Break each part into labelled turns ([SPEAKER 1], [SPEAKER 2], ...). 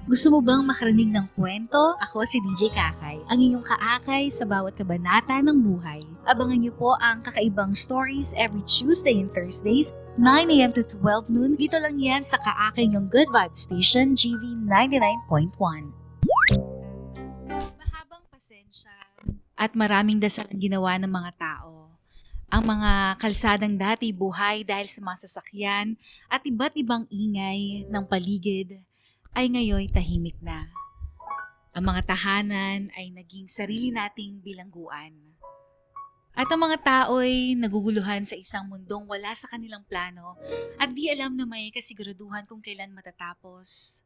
[SPEAKER 1] Gusto mo bang makarinig ng kwento? Ako si DJ Kakay, ang inyong kaakay sa bawat kabanata ng buhay. Abangan niyo po ang kakaibang stories every Tuesday and Thursdays, 9 a.m. to 12 noon. Dito lang yan sa kaakay niyong Good Vibes Station, GV 99.1. Mahabang pasensya at maraming dasal ang ginawa ng mga tao. Ang mga kalsadang dati buhay dahil sa mga sasakyan at iba't ibang ingay ng paligid ay ngayon tahimik na. Ang mga tahanan ay naging sarili nating bilangguan. At ang mga tao ay naguguluhan sa isang mundong wala sa kanilang plano at di alam na may kasiguraduhan kung kailan matatapos.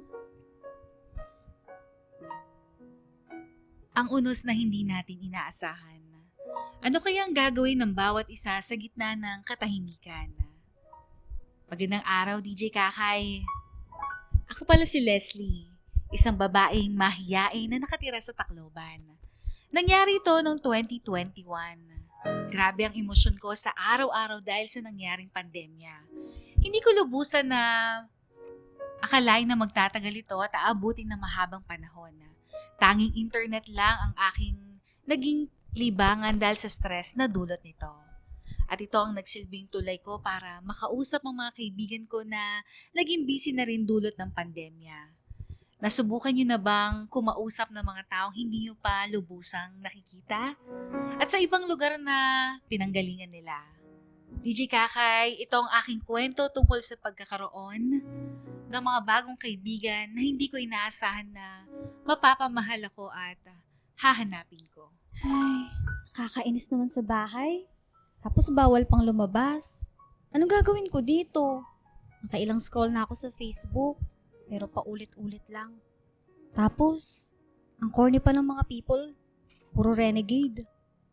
[SPEAKER 1] Ang unos na hindi natin inaasahan. Ano kaya ang gagawin ng bawat isa sa gitna ng katahimikan? Magandang araw, DJ Kakay. Ako pala si Leslie, isang babaeng mahiyain na nakatira sa Tacloban. Nangyari ito noong 2021. Grabe ang emosyon ko sa araw-araw dahil sa nangyaring pandemya. Hindi ko lubusan na akalain na magtatagal ito at aabutin ng mahabang panahon. Tanging internet lang ang aking naging libangan dahil sa stress na dulot nito. At ito ang nagsilbing tulay ko para makausap ang mga kaibigan ko na naging busy na rin dulot ng pandemya. Nasubukan niyo na bang kumausap ng mga taong hindi niyo pa lubusang nakikita? At sa ibang lugar na pinanggalingan nila. DJ Kakay, ito ang aking kwento tungkol sa pagkakaroon ng mga bagong kaibigan na hindi ko inaasahan na mapapamahal ako at hahanapin ko.
[SPEAKER 2] Ay, kakainis naman sa bahay. Tapos bawal pang lumabas. Anong gagawin ko dito? Nakailang scroll na ako sa Facebook, pero paulit-ulit lang. Tapos, ang corny pa ng mga people, puro renegade.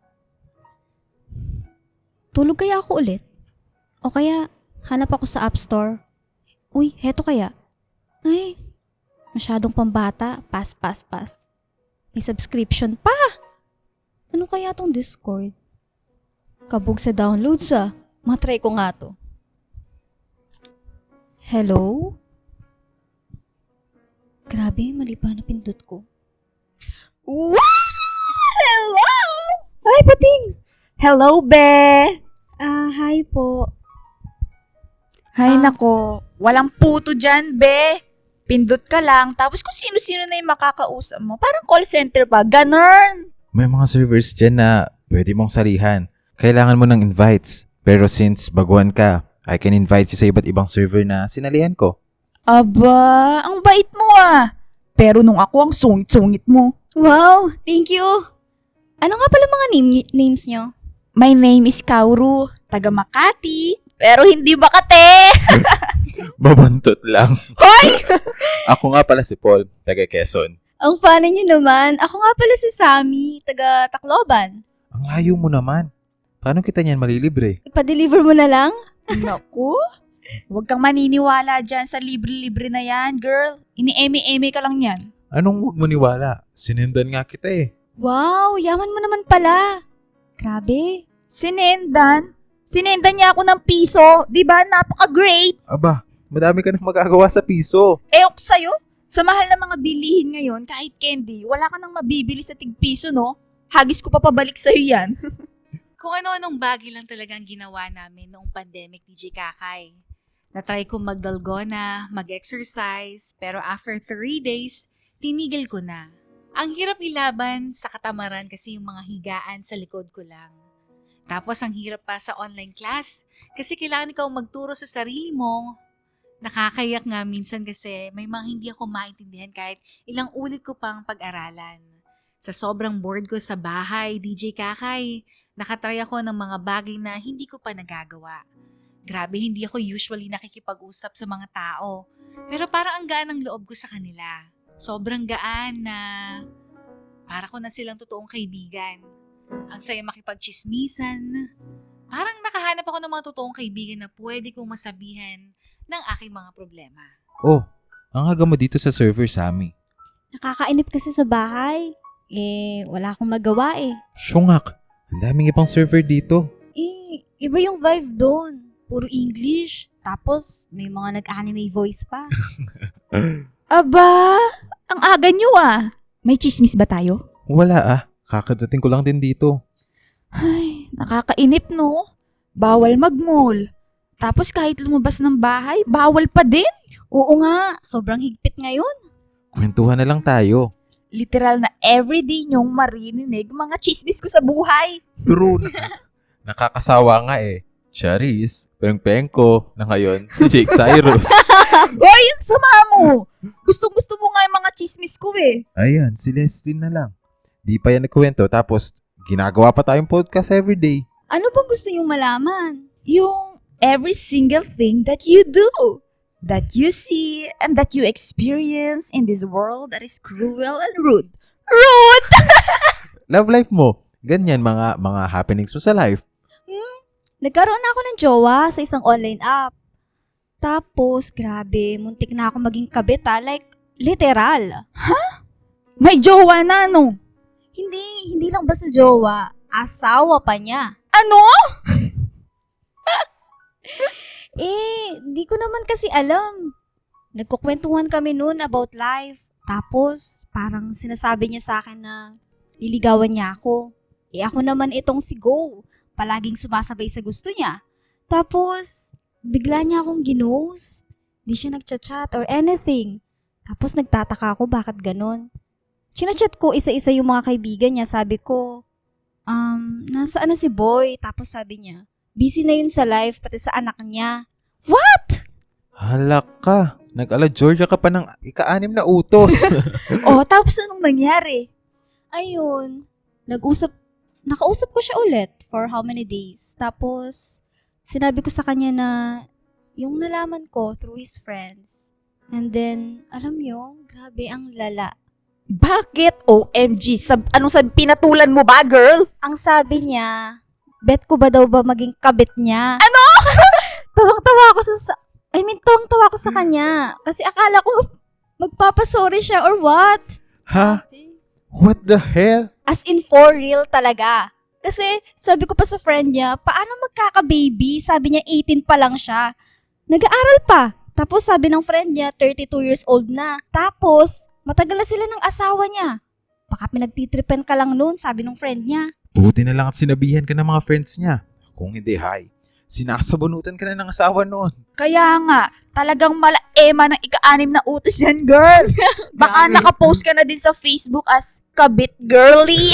[SPEAKER 2] Tulog kaya ako ulit? O kaya, hanap ako sa App Store? Uy, heto kaya? Ay, masyadong pambata, pass. May subscription pa! Ano kaya tong Discord? Kabog sa downloads ah. Matry ko nga to. Hello? Grabe, mali pa na pindot ko.
[SPEAKER 3] Wow! Hello!
[SPEAKER 2] Ay, pating!
[SPEAKER 3] Hello, be!
[SPEAKER 2] Hi po.
[SPEAKER 3] Hay nako, walang puto dyan, be. Pindot ka lang, tapos kung sino-sino na yung makakausap mo. Parang call center pa, ganun.
[SPEAKER 4] May mga servers dyan na pwede mong salihan. Kailangan mo ng invites. Pero since baguhan ka, I can invite you sa iba't ibang server na sinalihan ko.
[SPEAKER 3] Aba, ang bait mo ah. Pero nung ako ang sungit-sungit mo.
[SPEAKER 2] Wow, thank you. Ano nga pala mga names nyo?
[SPEAKER 3] My name is Kauru, taga Makati, pero hindi Makate.
[SPEAKER 4] Babantot lang.
[SPEAKER 3] Hoy!
[SPEAKER 4] Ako nga pala si Paul, taga Quezon.
[SPEAKER 2] Ang funny nyo naman. Ako nga pala si Sammy, taga Tacloban.
[SPEAKER 4] Ang layo mo naman. Paano kita niyan malilibre?
[SPEAKER 2] Ipa-deliver mo na lang?
[SPEAKER 3] Naku, huwag kang maniniwala dyan sa libre-libre na yan, girl. Ini-eme-eme ka lang yan.
[SPEAKER 4] Anong huwag mo niwala? Sinendan nga kita eh.
[SPEAKER 2] Wow, yaman mo naman pala. Grabe.
[SPEAKER 3] Sinendan niya ako ng piso. Diba? Napaka-great.
[SPEAKER 4] Aba, madami ka nang magagawa sa piso.
[SPEAKER 3] Eok sa'yo, sa mahal ng mga bilihin ngayon, kahit candy, wala ka nang mabibili sa tig-piso, no? Hagis ko pa pabalik sa'yo yan.
[SPEAKER 1] Kung ano-anong bagay lang talagang ginawa namin noong pandemic, DJ Kakay. Natry ko magdalgona, mag-exercise, pero after 3 days, tinigil ko na. Ang hirap ilaban sa katamaran kasi yung mga higaan sa likod ko lang. Tapos ang hirap pa sa online class kasi kailangan ikaw magturo sa sarili mo. Nakakayak nga minsan kasi may mga hindi ako maintindihan kahit ilang ulit ko pang pag-aralan. Sa sobrang bored ko sa bahay, DJ Kakay, nakatry ako ng mga bagay na hindi ko pa nagagawa. Grabe, hindi ako usually nakikipag-usap sa mga tao. Pero parang ang gaan ng loob ko sa kanila. Sobrang gaan na para ko na silang totoong kaibigan. Ang saya makipagchismisan. Parang nakahanap ako ng mga totoong kaibigan na pwede kong masabihan ng aking mga problema.
[SPEAKER 4] Oh, ang haga mo dito sa server, Sammy.
[SPEAKER 2] Nakakainip kasi sa bahay. Wala akong magawa eh.
[SPEAKER 4] Syungak, ang daming ibang server dito.
[SPEAKER 2] Iba yung vibe doon. Puro English. Tapos, may mga nag-anime voice pa.
[SPEAKER 3] Aba, ang aga nyo May chismis ba tayo?
[SPEAKER 4] Wala kakadating ko lang din dito.
[SPEAKER 3] Ay, nakakainip no? Bawal mag-mall. Tapos kahit lumabas ng bahay, bawal pa din.
[SPEAKER 2] Oo nga, sobrang higpit ngayon.
[SPEAKER 4] Kwentuhan na lang tayo.
[SPEAKER 3] Literal na everyday nyong marinig mga chismis ko sa buhay.
[SPEAKER 4] True. Nakakasawa nga Charis, Peng ko, na ngayon si Jake Cyrus.
[SPEAKER 3] Hoy, ang sama mo! Gusto mo nga yung mga chismis ko
[SPEAKER 4] Ayan, si Leslie na lang. Di pa yan nagkwento tapos ginagawa pa tayong podcast everyday.
[SPEAKER 2] Ano bang gusto niyong malaman?
[SPEAKER 3] Yung every single thing that you do, that you see, and that you experience in this world that is cruel and rude. Rude!
[SPEAKER 4] Love life mo. Ganyan mga happenings mo sa life.
[SPEAKER 2] Nagkaroon na ako ng jowa sa isang online app. Tapos, grabe, muntik na ako maging kabit like, literal.
[SPEAKER 3] May jowa na, no?
[SPEAKER 2] Hindi lang basta jowa, asawa pa niya.
[SPEAKER 3] Ano?
[SPEAKER 2] Di ko naman kasi alam. Nagkukwentuhan kami noon about life. Tapos, parang sinasabi niya sa akin na liligawan niya ako. Ako naman itong si Go. Palaging sumasabay sa gusto niya. Tapos, bigla niya akong ginose. Di siya nagchat-chat or anything. Tapos nagtataka ako bakit ganun. Chinachat ko isa-isa yung mga kaibigan niya. Sabi ko, nasaan na si Boy? Tapos sabi niya, busy na yun sa life pati sa anak niya. What?
[SPEAKER 4] Halak ka. Nag-ala Georgia ka pa ng ika-6 na utos.
[SPEAKER 3] Tapos anong nangyari?
[SPEAKER 2] Ayun, nakausap ko siya ulit for how many days. Tapos, sinabi ko sa kanya na yung nalaman ko through his friends. And then, alam nyo, grabe ang lala.
[SPEAKER 3] Bakit? OMG, anong sabi? Pinatulan mo ba, girl?
[SPEAKER 2] Ang sabi niya, bet ko ba daw ba maging kabit niya?
[SPEAKER 3] Ano?
[SPEAKER 2] Tawang-tawa ako sa kanya. Kasi akala ko magpapasorry siya or what?
[SPEAKER 4] Ha? What the hell?
[SPEAKER 2] As in for real talaga. Kasi sabi ko pa sa friend niya, paano magkaka-baby? Sabi niya 18 pa lang siya. Nag-aaral pa. Tapos sabi ng friend niya, 32 years old na. Tapos, matagal na sila ng asawa niya. Baka pinagtitripen ka lang noon, sabi ng friend niya.
[SPEAKER 4] Buti na lang at sinabihan ka ng mga friends niya. Kung hindi, sinasabunutan ka na ng asawa noon.
[SPEAKER 3] Kaya nga, talagang malaema ng ika-6 na utos yan, girl. Baka
[SPEAKER 4] Grabe.
[SPEAKER 3] nakapost ka na din sa Facebook as kabit girly.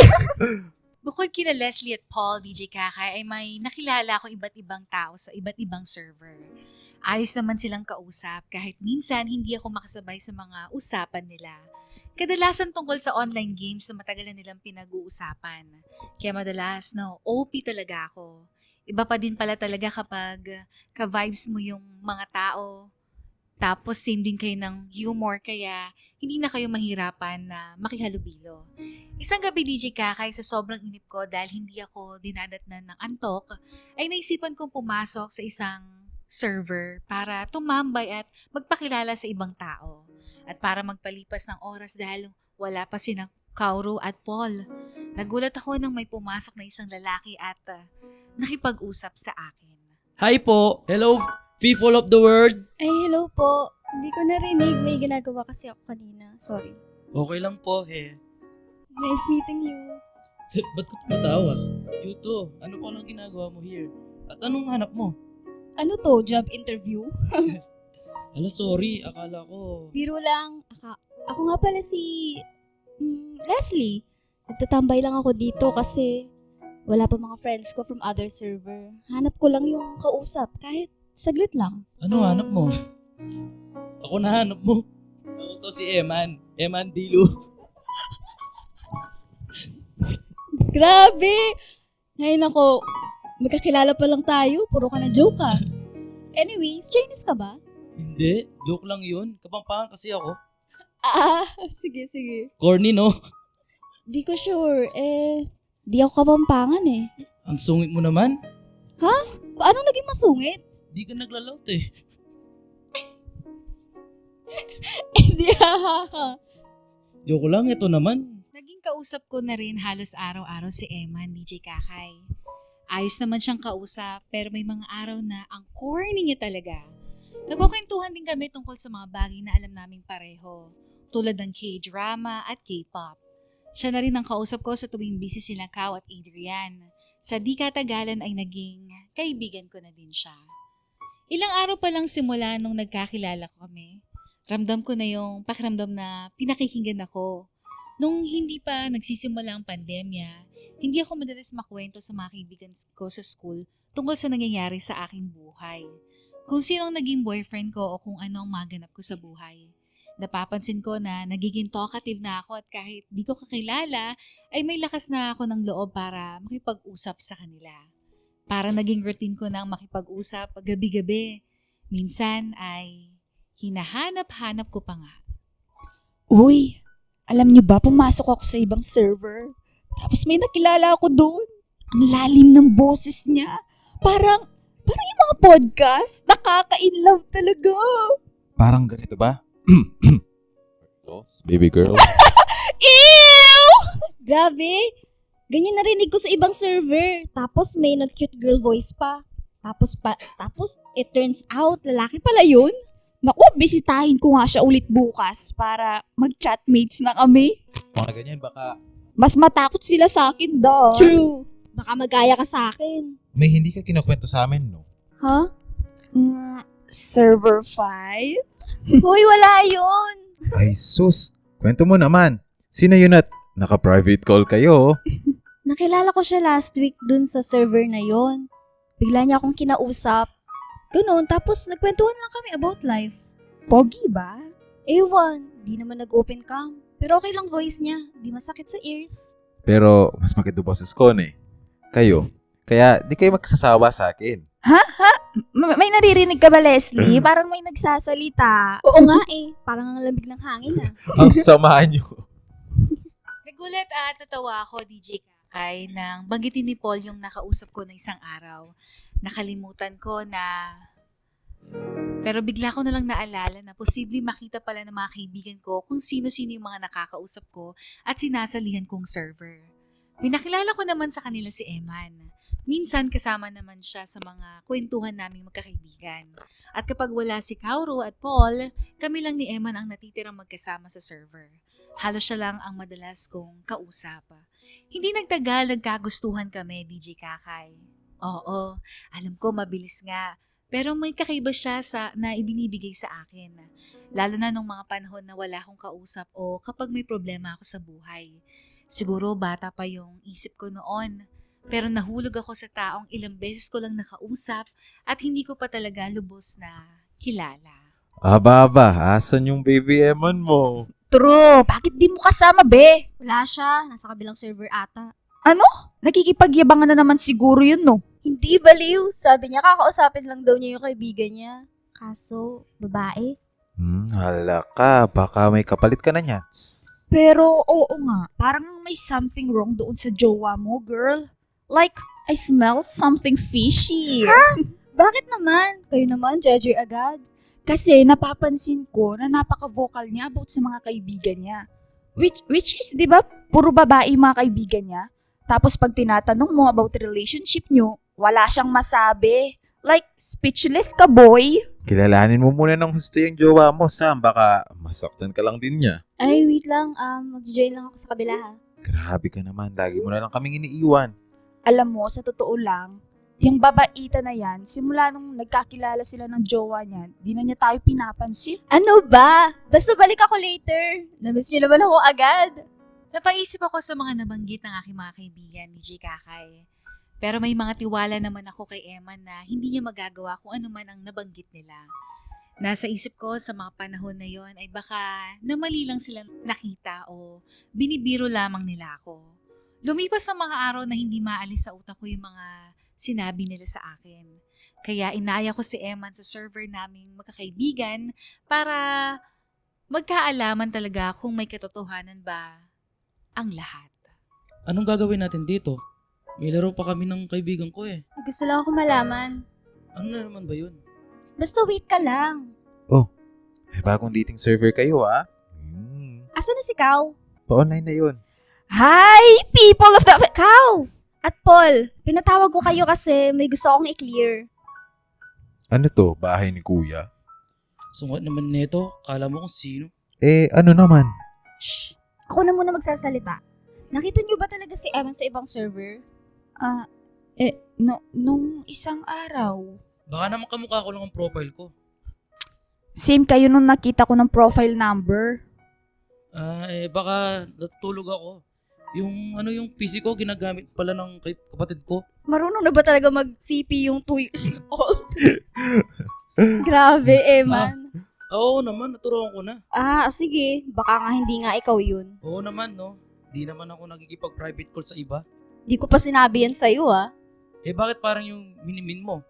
[SPEAKER 1] Bukod kina Leslie at Paul, DJ Kakay, ay may nakilala akong iba't ibang tao sa iba't ibang server. Ayos naman silang kausap kahit minsan hindi ako makasabay sa mga usapan nila. Kadalasan tungkol sa online games na matagal na nilang pinag-uusapan. Kaya madalas, OP talaga ako. Iba pa din pala talaga kapag ka-vibes mo yung mga tao. Tapos same din kayo ng humor kaya hindi na kayo mahirapan na makihalubilo. Isang gabi DJ Kakay sa sobrang inip ko dahil hindi ako dinadatnan ng antok, ay naisipan kong pumasok sa isang server para tumambay at magpakilala sa ibang tao. At para magpalipas ng oras dahil wala pa sina Kauro at Paul. Nagulat ako nang may pumasok na isang lalaki at nakipag-usap sa akin.
[SPEAKER 5] Hi po! Hello, people of the world!
[SPEAKER 2] Ay, hello po. Hindi ko narinig. May ginagawa kasi ako kanina. Sorry.
[SPEAKER 5] Okay lang po,
[SPEAKER 2] Nice meeting you.
[SPEAKER 5] Ba't ka tumatawa? Yuto, ano pa lang ginagawa mo here? At anong hanap mo?
[SPEAKER 2] Ano to? Job interview?
[SPEAKER 5] Hala, sorry. Akala ko...
[SPEAKER 2] Biro lang. Ako nga pala si Leslie. Nagtatambay lang ako dito kasi wala pa mga friends ko from other server. Hanap ko lang yung kausap kahit saglit lang.
[SPEAKER 5] Ano hanap mo? Ako na hanap mo. Ako to si Eman. Eman Dilu.
[SPEAKER 2] Grabe! Ngayon ako, magkakilala pa lang tayo. Puro ka na joke ah. Anyways, Chinese ka ba?
[SPEAKER 5] Hindi. Joke lang yun. Kapampangan kasi ako.
[SPEAKER 2] Sige.
[SPEAKER 5] Corny, no?
[SPEAKER 2] Di ko sure. Di ako kapampangan eh.
[SPEAKER 5] Ang sungit mo naman.
[SPEAKER 2] Paano naging masungit?
[SPEAKER 5] Di ka naglalaut eh.
[SPEAKER 2] Hindi
[SPEAKER 5] Joke lang, ito naman.
[SPEAKER 1] Naging kausap ko na rin halos araw-araw si Eman, DJ Kakay. Ayos naman siyang kausap pero may mga araw na ang corny niya talaga. Nagkukwentuhan din kami tungkol sa mga bagay na alam naming pareho, tulad ng K-drama at K-pop. Siya na rin ang kausap ko sa tuwing busy sila Kao at Adrian. Sa di katagalan ay naging kaibigan ko na din siya. Ilang araw pa lang simula nung nagkakilala kami, ramdam ko na yung pakiramdam na pinakikinggan ako. Nung hindi pa nagsisimula ang pandemya, hindi ako madalas makwento sa mga kaibigan ko sa school tungkol sa nangyayari sa aking buhay. Kung sino ang naging boyfriend ko o kung ano ang maganap ko sa buhay. Napapansin ko na nagiging talkative na ako at kahit di ko kakilala, ay may lakas na ako ng loob para makipag-usap sa kanila. Para naging routine ko na ang makipag-usap gabi-gabi. Minsan ay hinahanap-hanap ko pa nga.
[SPEAKER 3] Uy, alam niyo ba, pumasok ako sa ibang server. Tapos may nakilala ako doon. Ang lalim ng boses niya. Parang yung mga podcast, nakaka-inlove talaga.
[SPEAKER 4] Parang ganito ba? Girls, baby girl.
[SPEAKER 3] Ew!
[SPEAKER 2] Grabe! Ganyan narinig ko sa ibang server. Tapos may nag-cute girl voice pa. Tapos it turns out, lalaki pala yun.
[SPEAKER 3] Naku, bisitahin ko nga siya ulit bukas para mag-chatmates na kami.
[SPEAKER 4] Mga ganyan, baka
[SPEAKER 3] Mas matakot sila sa akin daw.
[SPEAKER 2] True! Baka magaya ka sa akin.
[SPEAKER 4] may hindi ka kinukwento sa amin, no?
[SPEAKER 2] Huh?
[SPEAKER 3] Server 5?
[SPEAKER 2] Hoy, wala yun!
[SPEAKER 4] Ay, sus. Kwento mo naman. Sino yun at naka-private call kayo?
[SPEAKER 2] Nakilala ko siya last week dun sa server na yon. Bigla niya akong kinausap. Ganun, tapos nagkwentuhan lang kami about life.
[SPEAKER 3] Pogi ba?
[SPEAKER 2] Ewan, di naman nag-open cam. Pero okay lang voice niya, di masakit sa ears.
[SPEAKER 4] Pero mas maganda boses ko eh. Kayo. Kaya di kayo magsasawa sa akin.
[SPEAKER 3] May naririnig ka ba, Leslie? Parang may nagsasalita.
[SPEAKER 2] Oo nga eh, parang ang lamig ng hangin ah.
[SPEAKER 4] Ang sama nyo.
[SPEAKER 1] Nagulat at natawa ako, DJ Kakay, nang banggitin ni Paul yung nakausap ko na isang araw. Nakalimutan ko na... Pero bigla ko na lang naalala na posibleng makita pala ng mga kaibigan ko kung sino-sino yung mga nakakausap ko at sinasalihan kong server. Pinakilala ko naman sa kanila si Eman. Minsan kasama naman siya sa mga kwentuhan naming magkakaibigan. At kapag wala si Kauro at Paul, kami lang ni Eman ang natitirang magkasama sa server. Halos siya lang ang madalas kong kausap. Hindi nagtagal, nagkagustuhan kami, DJ Kakay. Oo, alam ko mabilis nga. Pero may kakaiba siya na ibinibigay sa akin. Lalo na nung mga panahon na wala akong kausap o kapag may problema ako sa buhay. Siguro bata pa yung isip ko noon. Pero nahulog ako sa taong ilang beses ko lang nakausap at hindi ko pa talaga lubos na kilala.
[SPEAKER 4] Aba, asan yung baby Eman mo?
[SPEAKER 3] True, bakit di mo kasama, be?
[SPEAKER 2] Wala siya, nasa kabilang server ata.
[SPEAKER 3] Nakikipagyabangan na naman siguro yun, no?
[SPEAKER 2] Hindi baliw, sabi niya kakausapin lang daw niya yung kaibigan niya. Kaso, babae.
[SPEAKER 4] Hala ka. Baka may kapalit ka na nyats.
[SPEAKER 3] Pero, oo nga, parang may something wrong doon sa jowa mo, girl. Like, I smell something fishy.
[SPEAKER 2] Bakit naman? Kayo naman, judge agad.
[SPEAKER 3] Kasi napapansin ko na napaka-vocal niya about sa mga kaibigan niya. Which is, di ba, puro babae yung mga kaibigan niya. Tapos pag tinatanong mo about relationship niyo, wala siyang masabi. Like, speechless ka, boy.
[SPEAKER 4] Kilalanin mo muna ng gusto yung jowa mo, Sam. Baka masaktan ka lang din niya.
[SPEAKER 2] Ay, wait lang. Mag-join lang ako sa kabila ha.
[SPEAKER 4] Grabe ka naman. Lagi mo na lang kaming iniiwan.
[SPEAKER 3] Alam mo, sa totoo lang, yung babaita na yan, simula nung nagkakilala sila ng jowa niya, di na niya tayo pinapansin.
[SPEAKER 2] Ano ba? Basta balik ako later. Namiss niyo naman ako agad.
[SPEAKER 1] Napaisip ako sa mga nabanggit ng aking mga kaibigan, DJ Kakay. Pero may mga tiwala naman ako kay Eman na hindi niya magagawa kung ano man ang nabanggit nila. Nasa isip ko sa mga panahon na yon ay baka namali lang sila nakita o binibiro lamang nila ako. Lumipas ang mga araw na hindi maalis sa utak ko yung mga sinabi nila sa akin. Kaya inaya ko si Eman sa server naming magkakaibigan para magkaalaman talaga kung may katotohanan ba ang lahat.
[SPEAKER 5] Anong gagawin natin dito? May laro pa kami ng kaibigan ko eh.
[SPEAKER 2] Gusto lang ako malaman.
[SPEAKER 5] Ano na naman ba yun?
[SPEAKER 2] Basta wait ka lang.
[SPEAKER 4] May bagong dating server kayo, ah.
[SPEAKER 2] Asa na si Kao?
[SPEAKER 4] Pa-online na yun.
[SPEAKER 3] Hi, people of the...
[SPEAKER 2] Kao! At Paul, pinatawag ko kayo kasi may gusto akong i-clear.
[SPEAKER 4] Ano to? Bahay ni Kuya?
[SPEAKER 5] Sungat naman nito. Kala mo kung sino.
[SPEAKER 4] Ano naman?
[SPEAKER 3] Shh! Ako na muna magsasalita. Nakita niyo ba talaga si Evan sa ibang server? Nung isang araw.
[SPEAKER 5] Baka naman kamukha ko lang ang profile ko.
[SPEAKER 3] Same kayo nung nakita ko ng profile number.
[SPEAKER 5] Baka natutulog ako. Yung PC ko, ginagamit pala ng kapatid ko.
[SPEAKER 2] Marunong na ba talaga mag-CP yung 2 years old? Grabe, Eman.
[SPEAKER 5] Oo naman, naturuan ko na.
[SPEAKER 2] Sige. Baka nga hindi nga ikaw yun.
[SPEAKER 5] Oo naman, no? Di naman ako nagkikipag-private call sa iba.
[SPEAKER 2] Di ko pa sinabi yan sa'yo,
[SPEAKER 5] Bakit parang yung minimin mo?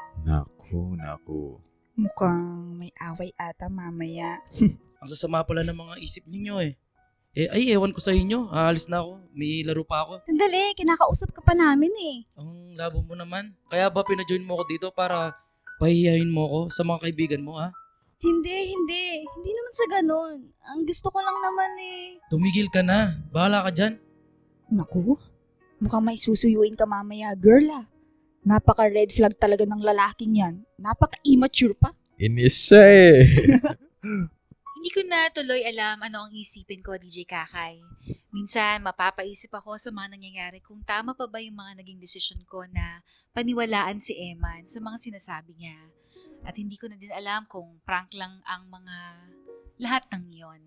[SPEAKER 4] Naku.
[SPEAKER 3] Mukhang may away ata mamaya.
[SPEAKER 5] Ang sasama pala ng mga isip ninyo ewan ko sa inyo. Aalis na ako. May laro pa ako.
[SPEAKER 2] Sandali, kinakausap ka pa namin
[SPEAKER 5] Ang labo mo naman. Kaya ba pina-join mo ako dito para pahihayin mo ako sa mga kaibigan mo, ha?
[SPEAKER 2] Hindi. Hindi naman sa ganun. Ang gusto ko lang naman
[SPEAKER 5] Tumigil ka na. Bahala ka dyan.
[SPEAKER 3] Naku, mukhang may susuyuin ka mamaya, girl. Napaka-red flag talaga ng lalaking yan. Napaka-immature pa.
[SPEAKER 4] Inis siya
[SPEAKER 1] Hindi ko na tuloy alam ano ang isipin ko, DJ Kakay. Minsan, mapapaisip ako sa mga nangyayari kung tama pa ba yung mga naging desisyon ko na paniwalaan si Eman sa mga sinasabi niya. At hindi ko na din alam kung prank lang ang mga lahat ng iyon.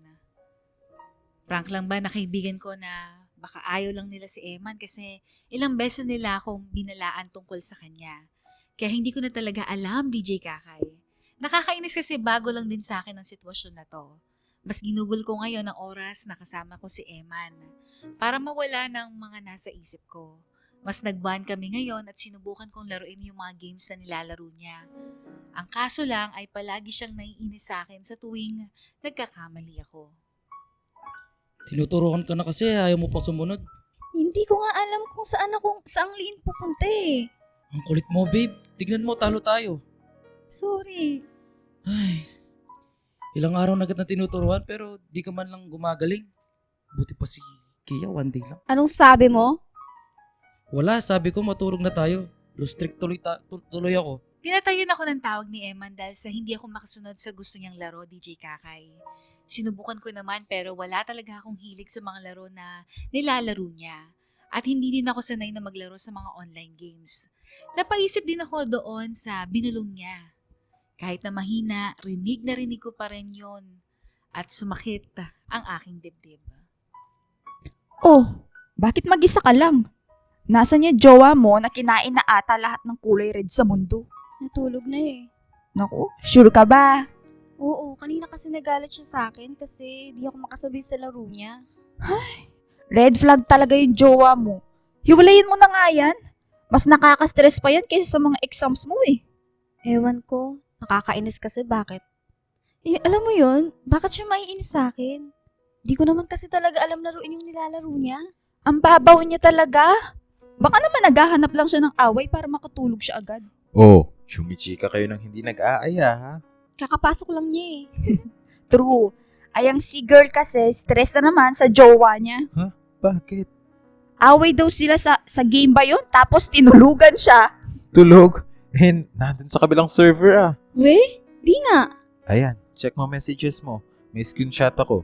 [SPEAKER 1] Prank lang ba na kaibigan ko na baka ayaw lang nila si Eman kasi ilang beses nila akong binalaan tungkol sa kanya. Kaya hindi ko na talaga alam, DJ Kakay. Nakakainis kasi bago lang din sa akin ang sitwasyon na to. Mas ginugol ko ngayon ang oras na kasama ko si Eman para mawala ng mga nasa isip ko. Mas nag-bond kami ngayon at sinubukan kong laruin yung mga games na nilalaro niya. Ang kaso lang ay palagi siyang naiinis sa akin sa tuwing nagkakamali ako.
[SPEAKER 5] Tinuturukan ka na kasi. Ayaw mo pa sumunod.
[SPEAKER 2] Hindi ko nga alam kung saang liin pupunta
[SPEAKER 5] Ang kulit mo, babe. Tignan mo, talo tayo.
[SPEAKER 2] Sorry.
[SPEAKER 5] Ay, ilang araw na agad na tinuturuan pero di ka man lang gumagaling. Buti pa si Kia, one day lang.
[SPEAKER 2] Anong sabi mo?
[SPEAKER 5] Wala, sabi ko matulog na tayo. Lose streak tuloy ako.
[SPEAKER 1] Pinatayin ako ng tawag ni Eman dahil sa hindi ako makasunod sa gusto niyang laro, DJ Kakay. Sinubukan ko naman pero wala talaga akong hilig sa mga laro na nilalaro niya. At hindi din ako sanay na maglaro sa mga online games. Napaisip din ako doon sa binulong niya. Kahit na mahina, rinig na rinig ko pa rin yun. At sumakit ang aking dibdib.
[SPEAKER 3] Oh, bakit mag-isa ka lang? Nasaan yung jowa mo na kinain na ata lahat ng kulay red sa mundo?
[SPEAKER 2] Natulog na
[SPEAKER 3] Naku, sure ka ba?
[SPEAKER 2] Oo, kanina kasi nagalit siya sa akin kasi di ako makasabay sa laro niya.
[SPEAKER 3] Red flag talaga yung jowa mo. Hiwalayin mo na nga yan. Mas nakaka-stress pa yan kaysa sa mga exams mo
[SPEAKER 2] Ewan ko, nakakainis kasi bakit? Alam mo yun, bakit siya maiinis sa akin? Di ko naman kasi talaga alam laruin yung nilalaro niya.
[SPEAKER 3] Ang babaw niya talaga. Baka naman naghahanap lang siya ng away para makatulog siya agad.
[SPEAKER 4] Chumichika kayo nang hindi nag-aaya, ha?
[SPEAKER 2] Kakapasok lang niya
[SPEAKER 3] True. Ayang si girl kasi stress na naman sa jowa niya.
[SPEAKER 4] Bakit?
[SPEAKER 3] Away daw sila sa game ba yun? Tapos tinulugan siya.
[SPEAKER 4] Tulog? Nandun sa kabilang server,
[SPEAKER 2] We? Di nga.
[SPEAKER 4] Ayan, check mo messages mo. May screenshot ako.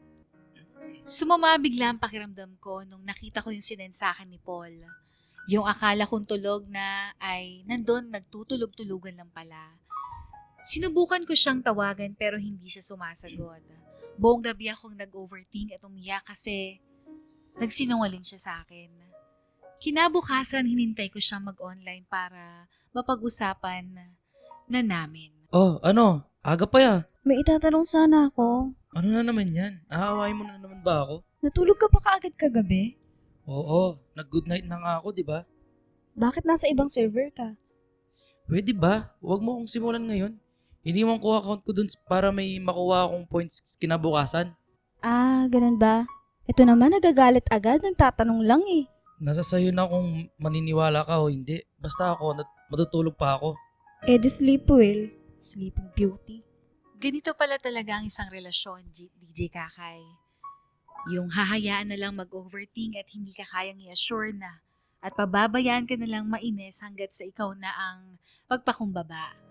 [SPEAKER 1] Sumama bigla ang pakiramdam ko nung nakita ko yung sinend sa akin ni Paul. Yung akala kong tulog na ay nandun nagtutulog-tulugan lang pala. Sinubukan ko siyang tawagan pero hindi siya sumasagot. Buong gabi akong nag-overthink at umiyak kasi nagsinungaling siya sa akin. Kinabukasan hinintay ko siyang mag-online para mapag-usapan na namin.
[SPEAKER 5] Oh, ano? Aga pa ya.
[SPEAKER 2] May itatanong sana ako.
[SPEAKER 5] Ano na naman yan? Aawain mo na naman ba ako?
[SPEAKER 2] Natulog ka pa kaagad kagabi?
[SPEAKER 5] Oo, nag-good night na nga ako, di ba?
[SPEAKER 2] Bakit nasa ibang server ka?
[SPEAKER 5] Pwede ba? Huwag mo akong simulan ngayon. Iniwan ko account ko dun para may makuha akong points kinabukasan.
[SPEAKER 2] Ganun ba? Ito naman nagagalit agad, nagtatanong lang
[SPEAKER 5] Nasa sayo na kung maniniwala ka o hindi. Basta ako, matutulog pa ako.
[SPEAKER 2] di sleep well. Sleeping Beauty.
[SPEAKER 1] Ganito pala talaga ang isang relasyon, DJ Kakay. Yung hahayaan na lang mag-overthink at hindi ka kayang i-assure na at pababayaan ka na lang mainis hanggat sa ikaw na ang pagpakumbaba.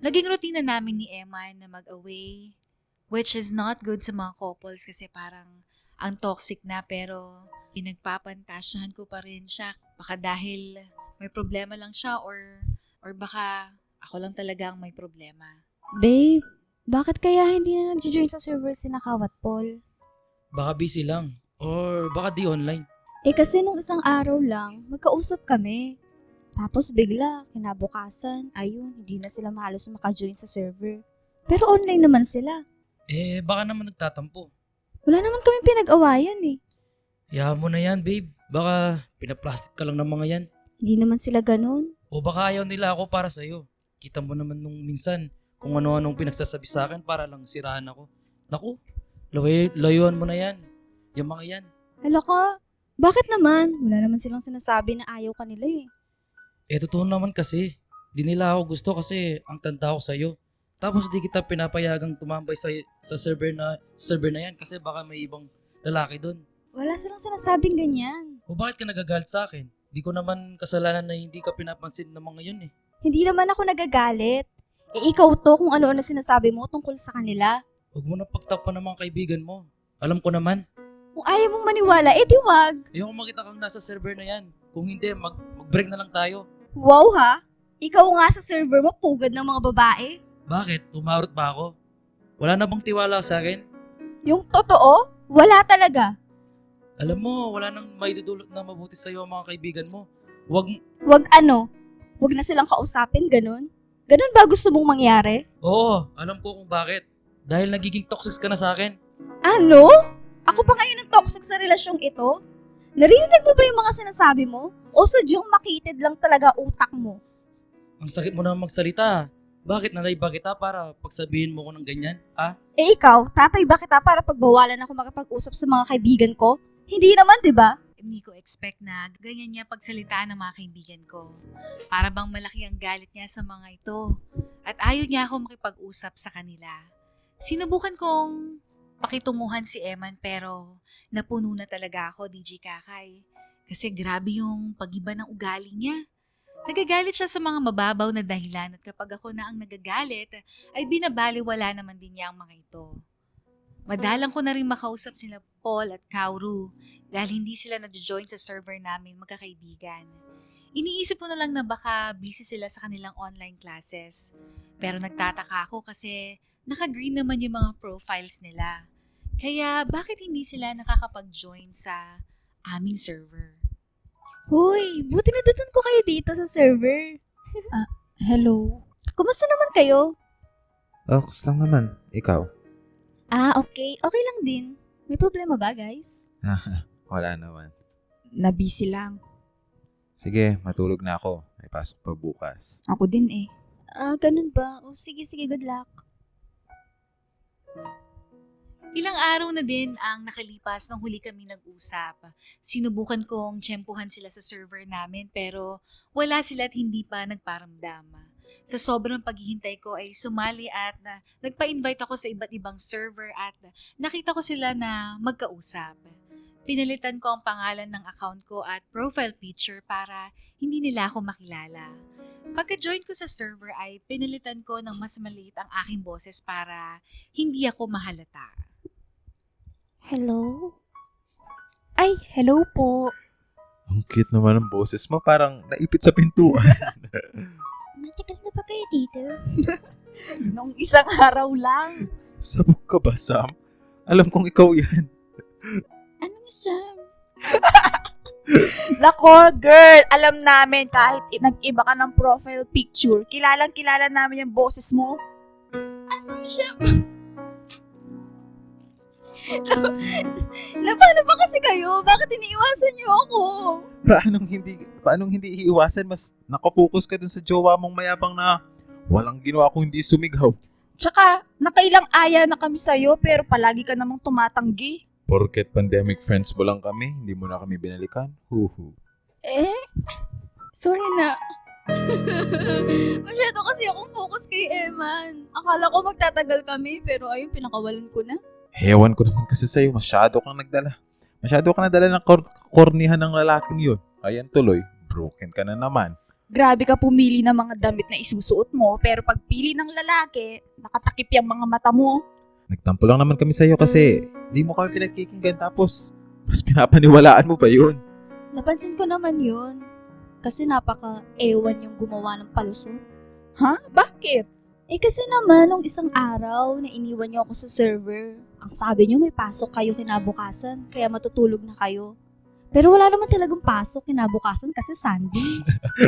[SPEAKER 1] Naging routine na namin ni Eman na mag-away, which is not good sa mga couples kasi parang ang toxic na, pero pinagpapantasyahan ko pa rin siya. Baka dahil may problema lang siya or baka ako lang talaga ang may problema.
[SPEAKER 2] Babe, bakit kaya hindi na nag-join sa server si Nakawat Paul?
[SPEAKER 5] Baka busy lang. Or baka di online.
[SPEAKER 2] Kasi nung isang araw lang, magkausap kami. Tapos bigla, kinabukasan, ayun, hindi na sila halos maka-join sa server. Pero online naman sila.
[SPEAKER 5] Baka naman nagtatampo.
[SPEAKER 2] Wala naman kami pinag-awayan eh.
[SPEAKER 5] Hayaan mo na yan, babe. Baka pinaplastic ka lang ng mga yan.
[SPEAKER 2] Hindi naman sila ganun.
[SPEAKER 5] O baka ayaw nila ako para sa'yo. Kita mo naman nung minsan kung ano-anong pinagsasabi sa akin para lang siraan ako. Naku, layuan mo na yan. Yung mga yan.
[SPEAKER 2] Hala ka, bakit naman? Wala naman silang sinasabi na ayaw kanila eh.
[SPEAKER 5] Totoo naman kasi. Di nila ako gusto kasi ang tanda ko sa'yo. Tapos di kita pinapayagang tumambay sa server na yan kasi baka may ibang lalaki doon.
[SPEAKER 2] Wala silang sinasabing ganyan.
[SPEAKER 5] O bakit ka nagagalit sa akin? Di ko naman kasalanan na hindi ka pinapansin ng mga yun eh.
[SPEAKER 2] Hindi naman ako nagagalit. Ikaw to kung ano-ano sinasabi mo tungkol sa kanila.
[SPEAKER 5] Huwag mo na pagtakpan ng mga kaibigan mo. Alam ko naman.
[SPEAKER 2] Kung ayaw mong maniwala, di wag.
[SPEAKER 5] Ayoko makita kang nasa server na yan. Kung hindi, mag-break na lang tayo.
[SPEAKER 2] Wow ha? Ikaw nga sa server mo, pugad ng mga babae.
[SPEAKER 5] Bakit? Tumarot ba ako? Wala na bang tiwala sa akin?
[SPEAKER 2] Yung totoo, wala talaga.
[SPEAKER 5] Alam mo, wala nang maidudulot na mabuti sa'yo ang mga kaibigan mo. Wag
[SPEAKER 2] Wag na silang kausapin, ganun. Ganun ba gusto mong mangyari?
[SPEAKER 5] Oo, alam ko kung bakit. Dahil nagiging toxic ka na sa akin.
[SPEAKER 2] Ano? Ako pa ngayon ang toxic sa relasyong ito? Narinig mo ba yung mga sinasabi mo? O sadyang makitid lang talaga utak mo?
[SPEAKER 5] Ang sakit mo na magsalita. Bakit nalay ba kita para pagsabihin mo ko ng ganyan?
[SPEAKER 2] Ikaw, tatay ba kita para pagbawalan ako makipag-usap sa mga kaibigan ko? Hindi naman, di ba?
[SPEAKER 1] Hindi ko expect na ganyan niya pagsalitaan ng mga kaibigan ko. Para bang malaki ang galit niya sa mga ito. At ayaw niya ako makipag-usap sa kanila. Sinubukan kong pakitunguhan si Eman pero napuno na talaga ako, DJ Kakay. Kasi grabe yung pag-iba ng ugali niya. Nagagalit siya sa mga mababaw na dahilan at kapag ako na ang nagagalit, ay binabaliwala naman din niya ang mga ito. Madalang ko na rin makausap sila Paul at Kauru dahil hindi sila nag-join sa server namin magkakaibigan. Iniisip ko na lang na baka busy sila sa kanilang online classes. Pero nagtataka ako kasi naka-green naman yung mga profiles nila. Kaya bakit hindi sila nakakapag-join sa aming server?
[SPEAKER 2] Huy, buti na datan ko kayo dito sa server.
[SPEAKER 3] Hello?
[SPEAKER 2] Kumusta naman kayo?
[SPEAKER 4] Okay lang naman. Ikaw?
[SPEAKER 2] Okay. Okay lang din. May problema ba, guys?
[SPEAKER 4] Wala naman.
[SPEAKER 3] Na-busy lang.
[SPEAKER 4] Sige, matulog na ako. May pasok pa bukas.
[SPEAKER 3] Ako din eh.
[SPEAKER 2] Ganun ba? O sige, good luck.
[SPEAKER 1] Ilang araw na din ang nakalipas nung huli kami nag-usap. Sinubukan kong tsempuhan sila sa server namin pero wala sila at hindi pa nagparamdam. Sa sobrang paghihintay ko ay sumali at nagpa-invite ako sa iba't ibang server at nakita ko sila na magkausap. Pinalitan ko ang pangalan ng account ko at profile picture para hindi nila ako makilala. Pagka-join ko sa server ay pinalitan ko ng mas maliit ang aking boses para hindi ako mahalata.
[SPEAKER 2] Hello?
[SPEAKER 3] Ay, hello po.
[SPEAKER 4] Ang cute naman ng boses mo. Parang naipit sa pintuan.
[SPEAKER 2] Matagal na ba kayo dito?
[SPEAKER 3] Nung isang araw lang.
[SPEAKER 4] Sabog ka ba, Sam? Alam kong ikaw yan.
[SPEAKER 2] Anong siya?
[SPEAKER 3] Nako, girl, alam namin kahit nag-iba ka ng profile picture, kilalang-kilala namin yung boses mo.
[SPEAKER 2] Anong siya? Paano ba kasi kayo? Bakit iniiwasan niyo ako?
[SPEAKER 4] Paanong hindi iiwasan? Mas nakafocus ka dun sa jowa mong mayabang na walang ginawa kung hindi sumigaw.
[SPEAKER 3] Tsaka, nakailang aya na kami sa'yo pero palagi ka namang tumatanggi.
[SPEAKER 4] Porket pandemic friends mo lang kami, hindi mo na kami binalikan. Huhu.
[SPEAKER 2] Sorry na. Masyado kasi akong focus kay Eman. Akala ko magtatagal kami pero ayun, pinakawalan ko na.
[SPEAKER 4] Hewan ko naman kasi sa'yo, masyado kang nagdala. Masyado kang nadala ng kornihan ng lalaking yun. Ayan tuloy, broken ka na naman.
[SPEAKER 3] Grabe ka pumili ng mga damit na isusuot mo, pero pagpili ng lalaki, nakatakip yung mga mata mo.
[SPEAKER 4] Nagtampo lang naman kami sa'yo kasi di mo kami pinagkikinggan tapos mas pinapaniwalaan mo pa yun.
[SPEAKER 2] Napansin ko naman yun. Kasi napaka-ewan yung gumawa ng palusot.
[SPEAKER 3] Ha? Bakit?
[SPEAKER 2] Eh kasi naman, nung isang araw na iniwan niyo ako sa server, ang sabi niyo may pasok kayo kinabukasan, kaya matutulog na kayo. Pero wala naman talagang pasok kinabukasan kasi Sunday.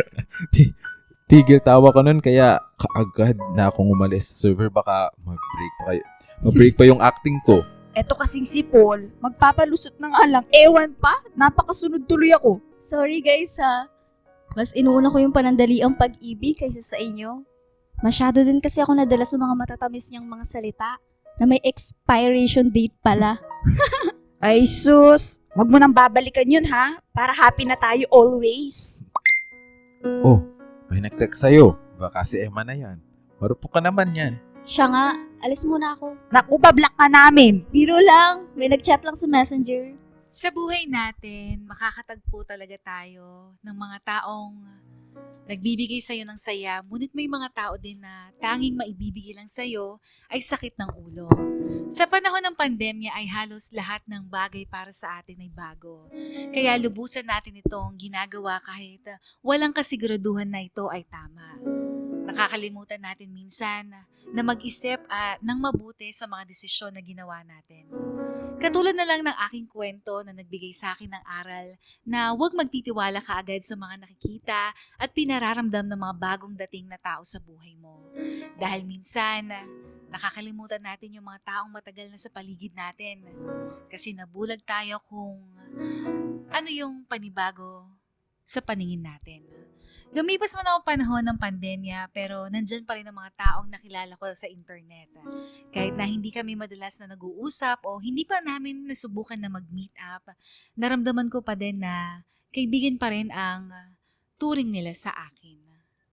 [SPEAKER 4] Tigil tawa ka nun kaya kaagad na akong umalis sa server baka mag-break pa kayo. Mag-break pa yung acting ko.
[SPEAKER 3] Eto kasing si Paul, magpapalusot na nga lang, ewan pa, napakasunod tuloy ako.
[SPEAKER 2] Sorry guys ha. Mas inuuna ko yung panandaliang pag-ibig kaysa sa inyo. Masyado din kasi ako nadala sa mga matatamis niyang mga salita na may expiration date pala.
[SPEAKER 3] Ay sus, wag mo nang babalikan yun ha, para happy na tayo always.
[SPEAKER 4] Oh, may nag-text sa'yo. Baka si Emma na yan. Marupok ka naman yan.
[SPEAKER 2] Siya nga, alis muna ako.
[SPEAKER 3] Naku, bablock ka namin.
[SPEAKER 2] Biro lang, may nag-chat lang sa messenger.
[SPEAKER 1] Sa buhay natin, makakatagpo talaga tayo ng mga taong nagbibigay sa'yo ng saya, ngunit may mga tao din na tanging maibibigay lang sa'yo ay sakit ng ulo. Sa panahon ng pandemya ay halos lahat ng bagay para sa atin ay bago. Kaya lubusan natin itong ginagawa kahit walang kasiguraduhan na ito ay tama. Nakakalimutan natin minsan na mag-isip ng mabuti sa mga desisyon na ginawa natin. Katulad na lang ng aking kwento na nagbigay sa akin ng aral na huwag magtitiwala kaagad sa mga nakikita at pinararamdam ng mga bagong dating na tao sa buhay mo. Dahil minsan, nakakalimutan natin yung mga taong matagal na sa paligid natin. Kasi nabulag tayo kung ano yung panibago sa paningin natin. Lumipas man ang panahon ng pandemya pero nandyan pa rin ang mga taong nakilala ko sa internet. Kahit na hindi kami madalas na nag-uusap o hindi pa namin nasubukan na mag-meet up, naramdaman ko pa din na kaibigan pa rin ang turing nila sa akin.